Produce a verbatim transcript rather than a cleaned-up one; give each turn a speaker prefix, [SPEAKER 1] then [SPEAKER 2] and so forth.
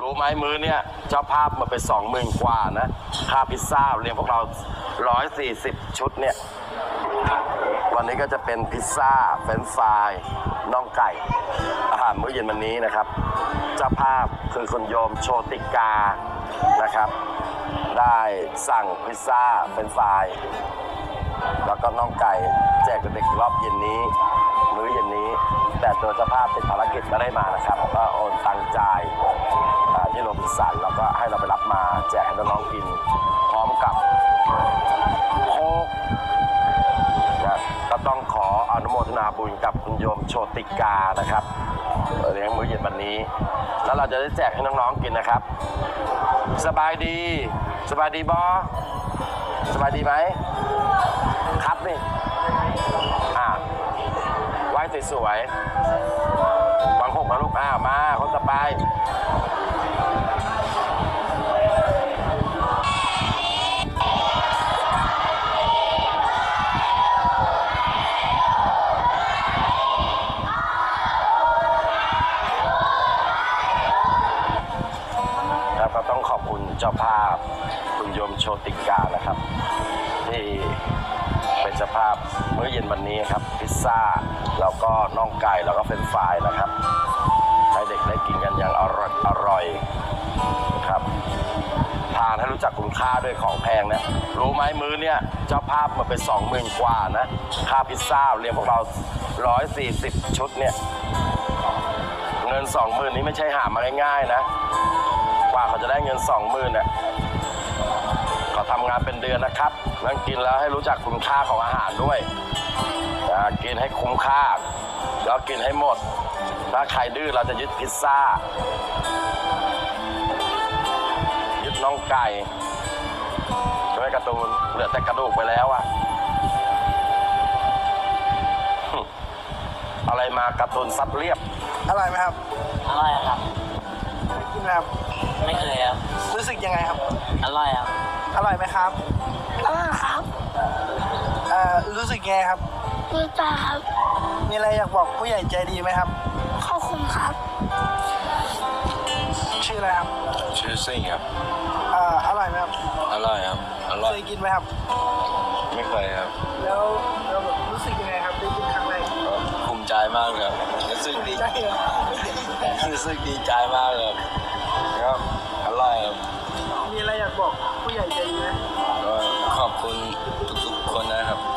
[SPEAKER 1] รู้ไหมมื้อเนี่ยเจ้าภาพมาไปสองหมื่นกว่านะค่าพิซซ่าเลี้ยงพวกเราร้อยสี่สิบชุดเนี่ยวันนี้ก็จะเป็นพิซซ่าเฟรนช์ฟรายน่องไก่อาหารมื้อเย็นวันนี้นะครับเจ้าภาพคือคุณโยมโชติกานะครับได้สั่งพิซซ่าเฟรนช์ฟรายแล้วก็น่องไก่แจกเด็กรอบเย็นนี้มื้อเย็นนี้แต่ตัวเจ้าภาพติดภารกิจไม่ได้มานะครับก็โอนตังจ่ายที่โรบินสันแล้วก็ให้เราไปรับมาแจกให้น้องๆกินพร้อมกับโค้กนะก็ต้องขออนุโมทนาบุญกับคุณโยมโชติกานะครับเลี้ยงมื้อเย็นวันนี้แล้วเราจะได้แจกให้น้องๆกินนะครับสบายดีสบายดีบอสบายดีไหมครับนี่อ่าไหว้สวยๆวางหกมาลูกอ้าวมาคนต่อไปแล้วก็ต้องขอบคุณเจ้าภาพคุณโยมโชติกานะครับที่เป็นเจ้าภาพมื้อเย็นวันนี้ครับพิซซ่าแล้วก็น่องไก่แล้วก็เฟรนช์ฟรายนะครับให้เด็กได้กินกันอย่างอร่อยอร่อยครับทานให้รู้จักคุณค่าด้วยของแพงนะรู้ไหมมื้อเนี่ยเจ้าภาพมาเป็นสองหมื่นกว่านะค่าพิซซ่าเลี้ยงพวกเราร้อยสี่สิบชุดเนี่ยเงินสองหมื่นนี้ไม่ใช่หามาง่ายๆนะกว่าเขาจะได้เงินสองหมื่นเนี่ยเขาทำงานเป็นเดือนนะครับนั่งกินแล้วให้รู้จักคุณค่าของอาหารด้วยกินให้คุ้มค่าแล้วกินให้หมดถ้าใครดื้อเราจะยึดพิซซ่ายึดน่องไก่ด้วยการ์ตูนเหลือแต่กระดูกไปแล้วอะอะไรมาการ์ตูนซับเรียบอร่อยไหมครับ
[SPEAKER 2] อร่อยครับ
[SPEAKER 3] กินไหมครับ
[SPEAKER 2] ไม่เคยครับ
[SPEAKER 3] รู้สึกยังไงครับ
[SPEAKER 2] อร่อยครับ
[SPEAKER 3] อร่อยไหมครับ
[SPEAKER 4] อร่อยครับ
[SPEAKER 3] เอ่อรู้สึกยังไงครับ
[SPEAKER 4] รู้จักครับ
[SPEAKER 3] มีอะไรอยากบอกผู้ใหญ่ใจดีไหมครับ
[SPEAKER 4] ขอบคุณครับ
[SPEAKER 3] ชื่ออะไรครับ
[SPEAKER 5] ชื่อซิ่งครับ
[SPEAKER 3] เอ่ออร่อยไหมครับ
[SPEAKER 5] อร่อยครับอร่อย
[SPEAKER 3] เคยกินไหมครับ
[SPEAKER 5] ไม่เคยครับ
[SPEAKER 3] แล้วเราแบบรู้สึกยังไงครับได้กินครั้งแรก
[SPEAKER 5] ภูมิใจมากเลยรู้สึกดี
[SPEAKER 3] ใจเหรอ
[SPEAKER 5] รู้สึกดีใจมากเลยครับอร่อยครับ
[SPEAKER 3] มีอะไรอยากบอกผู้ใหญ่ใจดีไหม
[SPEAKER 5] ก็ขอบคุณทุกๆคนนะครับ